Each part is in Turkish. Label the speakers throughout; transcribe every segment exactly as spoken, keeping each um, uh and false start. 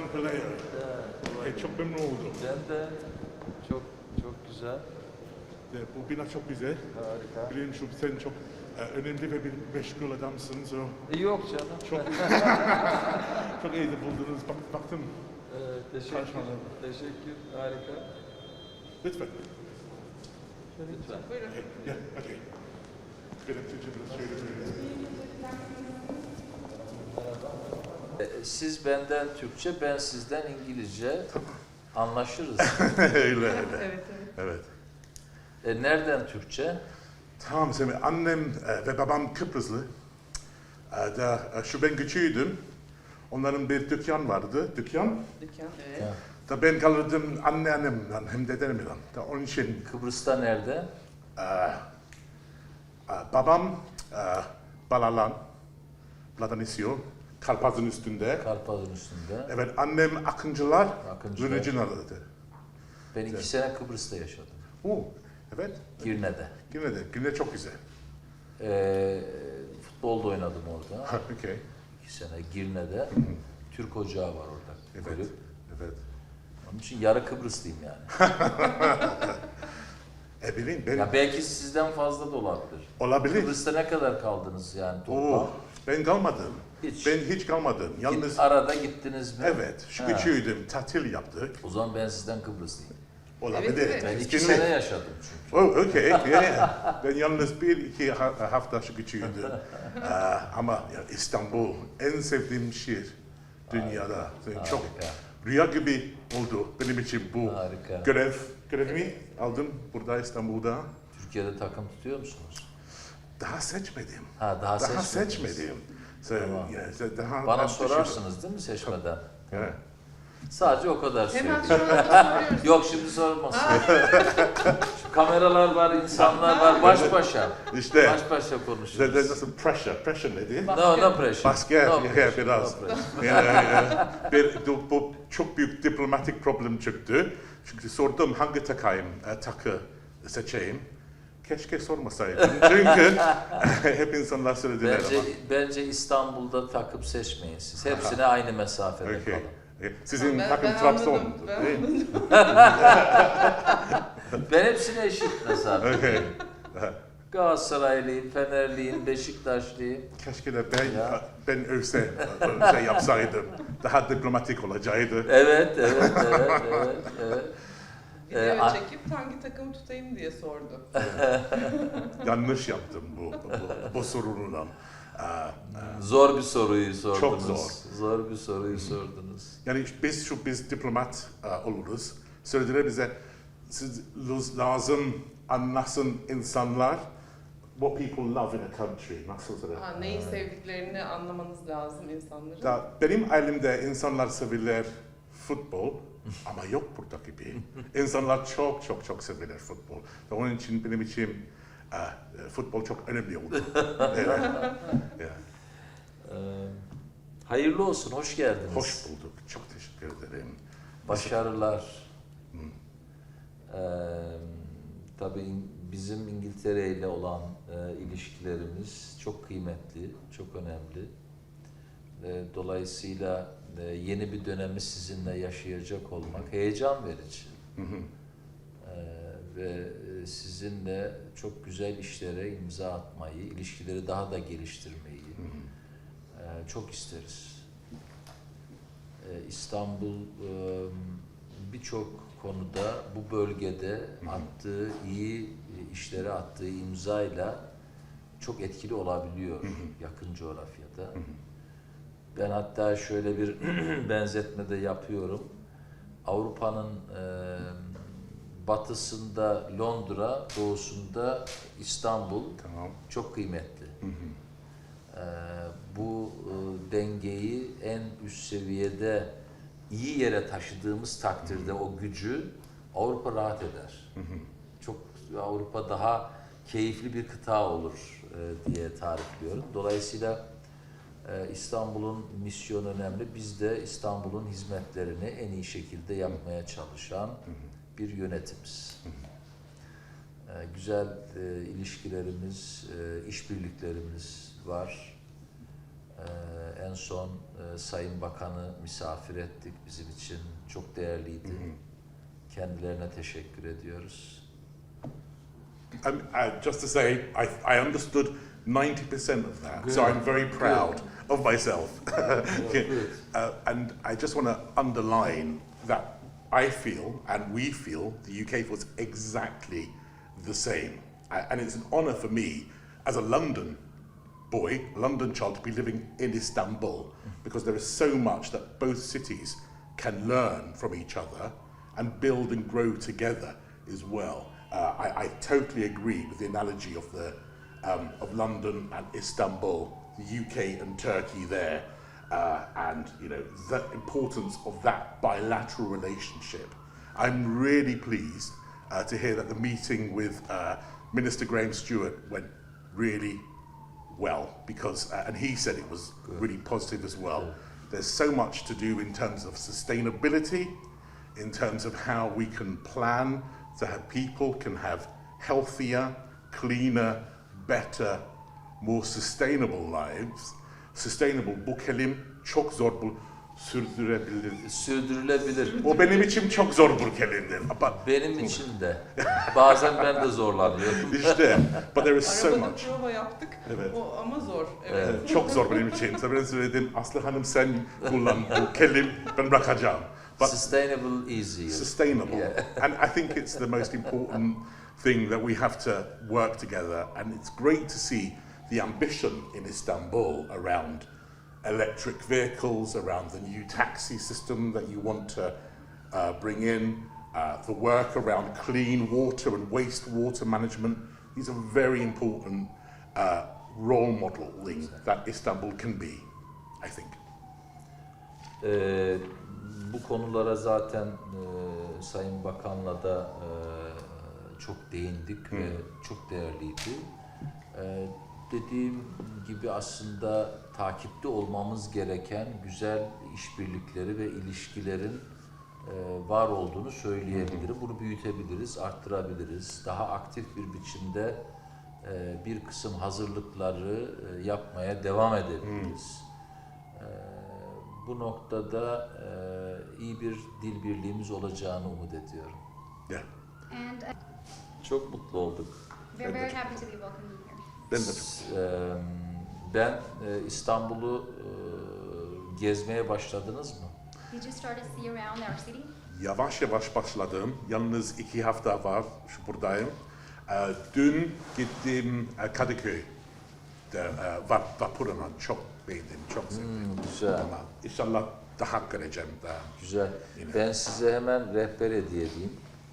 Speaker 1: Pelayo.
Speaker 2: Evet,
Speaker 1: E, çok memnun oldum.
Speaker 2: ben de çok çok güzel.
Speaker 1: E, bu bina çok güzel.
Speaker 2: Harika.
Speaker 1: Biliyorum şu sen çok e, önemli ve bir meşgul adamsın. So,
Speaker 2: E, yok canım.
Speaker 1: çok çok iyi de buldunuz. Bak, baktım.
Speaker 2: Evet, teşekkür.
Speaker 1: Çalışmalar.
Speaker 2: Teşekkür. Harika.
Speaker 1: Lütfen.
Speaker 2: Lütfen.
Speaker 3: Buyurun.
Speaker 1: E, gel, hadi. Benim Türkçe biraz şöyle böyle.
Speaker 2: E, Siz benden Türkçe, ben sizden İngilizce. Anlaşırız.
Speaker 1: öyle öyle.
Speaker 3: Evet, evet.
Speaker 1: Evet.
Speaker 2: E, nereden Türkçe?
Speaker 1: Tamam, şimdi annem e, ve babam Kıbrıslı. E, da, e, şu ben küçüğüydüm. Onların bir dükkan vardı, dükkan.
Speaker 3: Dükkan. Evet.
Speaker 2: Ya.
Speaker 1: Da ben kalırdım anneannemle hem dedemle. Da onun için
Speaker 2: Kıbrıs'ta nerede?
Speaker 1: e, e, babam e, Balalan, Platanisio, Karpaz'ın üstünde.
Speaker 2: Karpaz'ın üstünde.
Speaker 1: Evet, annem Akıncılar,
Speaker 2: Akıncılar.
Speaker 1: Virginal'dı.
Speaker 2: Ben iki sene Kıbrıs'ta yaşadım.
Speaker 1: Oo, evet.
Speaker 2: Girne'de.
Speaker 1: Yine de, yine çok güzel.
Speaker 2: E, futbolda oynadım orada.
Speaker 1: Okay.
Speaker 2: İki sene Girne'de. Türk ocağı var orada.
Speaker 1: Evet,
Speaker 2: Kulüp.
Speaker 1: evet.
Speaker 2: Onun için yarı Kıbrıslıyım yani.
Speaker 1: E bilin, ben
Speaker 2: Ya belki sizden fazla da olabilir.
Speaker 1: olabilir.
Speaker 2: Kıbrıs'ta ne kadar kaldınız yani toplam?
Speaker 1: Oo, ben kalmadım.
Speaker 2: Hiç.
Speaker 1: Ben hiç kalmadım. Yalnız,
Speaker 2: Git, arada gittiniz mi?
Speaker 1: evet, şu
Speaker 2: Ha.
Speaker 1: küçüğüydüm, tatil yaptık.
Speaker 2: O zaman ben sizden Kıbrıslıyım.
Speaker 1: Olabilir.
Speaker 3: Evet, evet.
Speaker 2: Ben iki
Speaker 1: Kesinlikle.
Speaker 2: sene yaşadım çünkü.
Speaker 1: Oh, okay, yeah, yeah. Ben yalnız bir iki ha- hafta şu küçüğüydüm. Ee, ama ya, İstanbul en sevdiğim şehir dünyada. Yani çok
Speaker 2: Harika.
Speaker 1: rüya gibi oldu benim için bu
Speaker 2: Harika.
Speaker 1: görev. Görevimi aldım burada İstanbul'da.
Speaker 2: Türkiye'de takım tutuyor musunuz?
Speaker 1: Daha seçmedim.
Speaker 2: Ha daha,
Speaker 1: Daha
Speaker 2: seçmediniz.
Speaker 1: seçmedim. So,
Speaker 2: Tamam.
Speaker 1: yeah, so daha
Speaker 2: Bana
Speaker 1: ben
Speaker 2: sorarsınız değil mi seçmeden?
Speaker 1: Evet.
Speaker 2: Sadece o kadar
Speaker 3: Hemen
Speaker 2: söyleyeyim.
Speaker 3: şu anda soruyoruz.
Speaker 2: Yok şimdi sormasın. Şu kameralar var, insanlar var, baş başa.
Speaker 1: İşte
Speaker 2: Baş başa
Speaker 1: There-
Speaker 2: konuşuyoruz.
Speaker 1: there's nasıl pressure, pressure nedir?
Speaker 2: No, no pressure.
Speaker 1: Baskı,
Speaker 2: no
Speaker 1: yeah,
Speaker 2: pressure,
Speaker 1: biraz.
Speaker 2: no pressure.
Speaker 1: Yani, yani, bir, bu, bu çok büyük diplomatik problem çıktı. Çünkü sordum hangi takayım, e, takı seçeyim. Keşke sormasaydım. Çünkü hep insanlar söylediler
Speaker 2: Bence,
Speaker 1: ama.
Speaker 2: bence İstanbul'da takıp seçmeyin siz. Hepsine aynı mesafede
Speaker 1: Okay.
Speaker 2: kalın.
Speaker 1: Okay. Sizin
Speaker 3: Ben-
Speaker 1: takım
Speaker 3: ben
Speaker 1: Trabzon.
Speaker 3: anladım, ben
Speaker 1: değil mi?
Speaker 2: Ben hepsine eşit mesafedeyim.
Speaker 1: Okay.
Speaker 2: Galatasaraylıyım, Fenerliyim, Beşiktaşlıyım.
Speaker 1: Keşke de ben,
Speaker 2: Ya.
Speaker 1: ben övse, şey yapsaydım. Daha diplomatik olacaktı.
Speaker 2: Evet, evet, evet, evet, evet.
Speaker 3: Video
Speaker 2: Ee, a-
Speaker 3: çekip hangi takımı tutayım diye sordu.
Speaker 1: Yanlış yaptım bu, bu, bu sorunundan. Aa,
Speaker 2: Zor bir soruyu sordunuz.
Speaker 1: Çok zor.
Speaker 2: Zor bir soruyu sordunuz.
Speaker 1: Yani biz şu biz diplomat uh, oluruz. Söylediler bize siz lazım anlasın insanlar what people love in a country. Nasıl söyledi?
Speaker 3: Ha, neyi sevdiklerini anlamanız lazım insanların.
Speaker 1: Da, benim ailemde insanlar severler futbol ama yok burada gibi. İnsanlar çok çok çok severler futbol. Da onun için benim için uh, futbol çok önemli oldu. Evet. Yeah.
Speaker 2: Ee, hayırlı olsun, hoş geldiniz.
Speaker 1: Hoş bulduk. Çok teşekkür ederim.
Speaker 2: Başarılar. Ee, tabii in- bizim İngiltere ile olan e, ilişkilerimiz çok kıymetli, çok önemli. E, dolayısıyla e, yeni bir dönemi sizinle yaşayacak olmak heyecan verici.
Speaker 1: Hı hı.
Speaker 2: E, ve e, sizinle çok güzel işlere imza atmayı, ilişkileri daha da geliştirmeyi
Speaker 1: Hı hı.
Speaker 2: e, çok isteriz. E, İstanbul e, birçok konuda bu bölgede attığı iyi işlere attığı imzayla çok etkili olabiliyor yakın coğrafyada. Ben hatta şöyle bir benzetme de yapıyorum. Avrupa'nın e, batısında Londra, doğusunda İstanbul
Speaker 1: Tamam.
Speaker 2: çok kıymetli.
Speaker 1: Hı hı.
Speaker 2: E, bu e, dengeyi en üst seviyede iyi yere taşıdığımız takdirde o gücü Avrupa rahat eder.
Speaker 1: Hı hı.
Speaker 2: Çok Avrupa daha keyifli bir kıta olur e, diye tarifliyorum. Dolayısıyla e, İstanbul'un misyonu önemli. Biz de İstanbul'un hizmetlerini en iyi şekilde yapmaya çalışan bir yönetimiz. E, güzel e, ilişkilerimiz, e, işbirliklerimiz var. Ee, en son e, Sayın Bakan'ı misafir ettik. Bizim için çok değerliydi. Kendilerine teşekkür ediyoruz.
Speaker 1: Um, uh, just to say, I, I understood ninety percent of that, so
Speaker 2: Good.
Speaker 1: I'm very proud
Speaker 2: Good.
Speaker 1: of myself.
Speaker 2: Good.
Speaker 1: uh, and I just want to underline that I feel, and we feel, the U K feels exactly the same. Uh, and it's an honour for me, as a London boy, London child, to be living in Istanbul, because there is so much that both cities can learn from each other and build and grow together as well. Uh, I, I totally agree with the analogy of the um, of London and Istanbul, the U K and Turkey there, uh, and you know the importance of that bilateral relationship. I'm really pleased uh, to hear that the meeting with uh, Minister Graham Stewart went really well, because uh, and he said it was
Speaker 2: Good.
Speaker 1: really positive as well.
Speaker 2: Good.
Speaker 1: There's so much to do in terms of sustainability, in terms of how we can plan to have people can have healthier, cleaner, better, more sustainable lives. Sustainable, bu kelim çok zor, bu sürdürebilir.
Speaker 2: Sürdürülebilir.
Speaker 1: O benim için çok zor bir kelimdir. But
Speaker 2: Benim için de. Bazen ben de zorlanıyorum.
Speaker 1: işte, but there is so
Speaker 3: Arabada
Speaker 1: much.
Speaker 3: prova yaptık.
Speaker 1: Evet.
Speaker 3: O ama zor. Evet.
Speaker 1: Evet, çok zor benim için. Mesela ben söyledim, Aslı Hanım sen kullan bu kelim, ben bırakacağım. But
Speaker 2: Sustainable easy.
Speaker 1: sustainable.
Speaker 2: Yeah.
Speaker 1: And I think it's the most important thing that we have to work together. And it's great to see the ambition in Istanbul around electric vehicles, around the new taxi system that you want to uh, bring in, uh, the work around clean water and wastewater management. These are very important uh, role modeling that Istanbul can be, I think.
Speaker 2: Ee, bu konulara zaten e, Sayın Bakan'la da e, çok değindik ve çok değerliydi. E, dediğim gibi aslında takipte olmamız gereken güzel işbirlikleri ve ilişkilerin e, var olduğunu söyleyebilirim. Bunu büyütebiliriz, arttırabiliriz. Daha aktif bir biçimde e, bir kısım hazırlıkları e, yapmaya devam edebiliriz. E, bu noktada e, iyi bir dil birliğimiz olacağını umut ediyorum.
Speaker 1: Yeah.
Speaker 4: And uh,
Speaker 2: Çok mutlu olduk.
Speaker 4: we're very happy to be welcoming you here.
Speaker 1: Ben de çok
Speaker 2: Eee, Ben e, İstanbul'u e, gezmeye başladınız mı?
Speaker 4: Did you start to see around our city?
Speaker 1: Yavaş yavaş başladım. Yalnız iki hafta var şu buradayım. Ee, dün gittim e, Kadıköy'de e, vap, vapuruna çok beğendim, çok sevdim.
Speaker 2: Hmm, güzel,
Speaker 1: Ama inşallah daha göreceğim daha.
Speaker 2: güzel. Ben size hemen rehber hediye edeyim.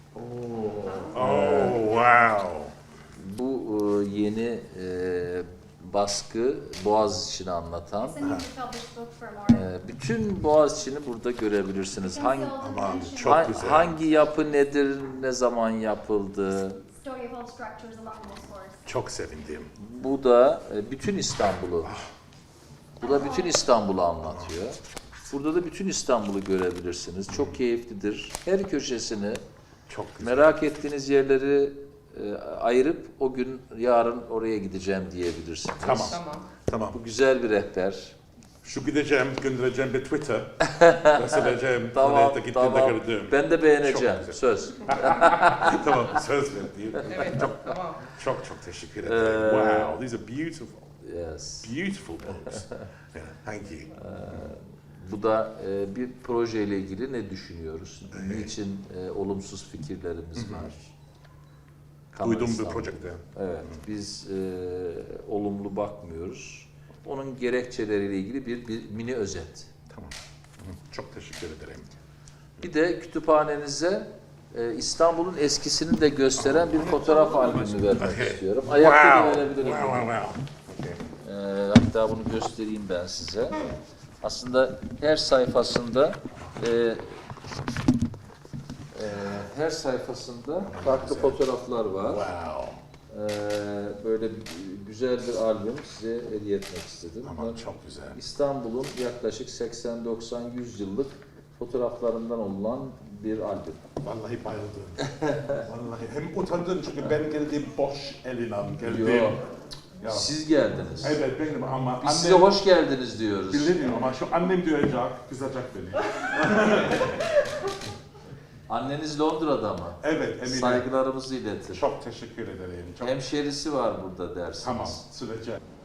Speaker 1: Oh wow!
Speaker 2: Bu e, yeni e, baskı Boğaziçi'ni anlatan.
Speaker 4: It's a newly published book from our
Speaker 2: E, bütün Boğaziçi'ni burada görebilirsiniz. Hangi
Speaker 4: consultant
Speaker 1: Aman,
Speaker 4: mentioned
Speaker 1: çok
Speaker 2: ha-
Speaker 1: güzel.
Speaker 2: hangi yapı nedir, ne zaman yapıldı?
Speaker 4: story of all structures along this course.
Speaker 1: Çok sevindim.
Speaker 2: Bu da e, bütün İstanbul'u. Bu da bütün İstanbul'u anlatıyor. Burada da bütün İstanbul'u görebilirsiniz. Çok keyiflidir. Her köşesini,
Speaker 1: Çok güzel.
Speaker 2: merak ettiğiniz yerleri e, ayırıp o gün yarın oraya gideceğim diyebilirsiniz.
Speaker 1: Tamam.
Speaker 3: Tamam.
Speaker 1: Tamam.
Speaker 2: Bu güzel bir rehber.
Speaker 1: Şu gideceğim, göndereceğim bir Twitter. Söyleyeceğim,
Speaker 2: Tamam,
Speaker 1: oraya da gittiğimde
Speaker 2: tamam.
Speaker 1: gördüm.
Speaker 2: Ben de beğeneceğim.
Speaker 1: Çok güzel.
Speaker 2: Söz.
Speaker 1: Tamam, söz verdim.
Speaker 3: Evet. Tamam.
Speaker 1: Çok çok teşekkür ederim.
Speaker 2: Ee,
Speaker 1: Wow, these are beautiful,
Speaker 2: Yes.
Speaker 1: beautiful books. Yeah, thank you.
Speaker 2: Bu da e, bir projeyle ilgili ne düşünüyoruz? Niçin e, olumsuz fikirlerimiz var? Kanal
Speaker 1: Duydum bu
Speaker 2: İstanbul.
Speaker 1: projede.
Speaker 2: Evet, biz e, olumlu bakmıyoruz. Onun gerekçeleriyle ilgili bir, bir mini özet.
Speaker 1: Tamam. Hı, çok teşekkür ederim.
Speaker 2: Bir de kütüphanenize e, İstanbul'un eskisini de gösteren bir fotoğraf albümü vermek
Speaker 1: Okay.
Speaker 2: istiyorum. Ayakta da
Speaker 1: Wow,
Speaker 2: verebilirim.
Speaker 1: wow, wow, wow. Okay.
Speaker 2: E, hatta bunu göstereyim ben size. Aslında her sayfasında e, e, her sayfasında farklı fotoğraflar var.
Speaker 1: Wow.
Speaker 2: E, böyle bir, güzel bir albüm size hediye etmek istedim.
Speaker 1: Aman çok güzel.
Speaker 2: İstanbul'un yaklaşık seksen doksan yüz yıllık fotoğraflarından olan bir albüm.
Speaker 1: Vallahi bayıldım. Vallahi hem utandım çünkü ben geldim boş elinden geldim.
Speaker 2: Yok.
Speaker 1: Ya.
Speaker 2: Siz geldiniz.
Speaker 1: Evet benim ama
Speaker 2: Biz size hoş geldiniz diyoruz.
Speaker 1: bilirim ama şu annem duyacak, kızacak beni.
Speaker 2: Anneniz Londra'da mı?
Speaker 1: Evet, Emine.
Speaker 2: Saygılarımızı iletir.
Speaker 1: Çok teşekkür ederim. Çok...
Speaker 2: Hemşerisi var burada dersiniz.
Speaker 1: Tamam, sürece.